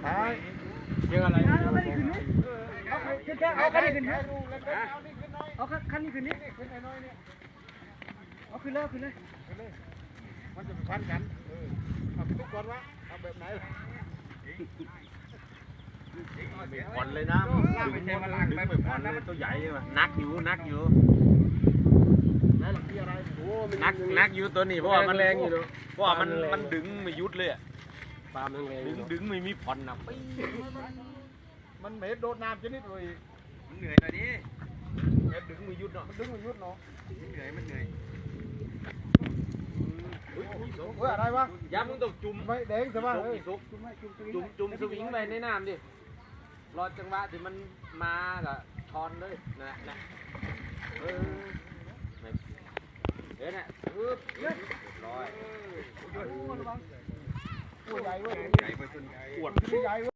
เจออะไรเอาคันนี้ขึ้นนี่เอาคันนี้ขึ้นนี่เอาคันนี้ขึ้นนี่เอาขึ้นเลยขึ้นเลยมันจะพันกันเอาทุกคนวะเอาแบบไหนผ่อนเลยนะดึงไม่ผ่อนเลยตัวใหญ่เลยว่ะนักอยู่นักอยู่นักอยู่ตัวนี้เพราะว่ามันแรงอยู่เพราะว่ามันดึงไม่ยุดเลยปลามันแรงดึงไม่มีผ่อนนะมันเหม็นโดนน้ำชนิดเลยมันเหนื่อยหน่อยดิแค่ดึงไม่ยุดเนาะมันดึงไม่ยุดเนาะมันเหนื่อยมันเหนื่อยเฮ้ยอะไรวะย้ำมึงต้องจุ่มไม่แดงใช่ป่ะจุ่มสวิงไปในน้ำดิรอจังหวะที่มันมากับทอนเลยนะเดี๋ยวนะปึ๊บร้อยตัวใหญ่เว้ยใหญ่ไปจนปวดใหญ่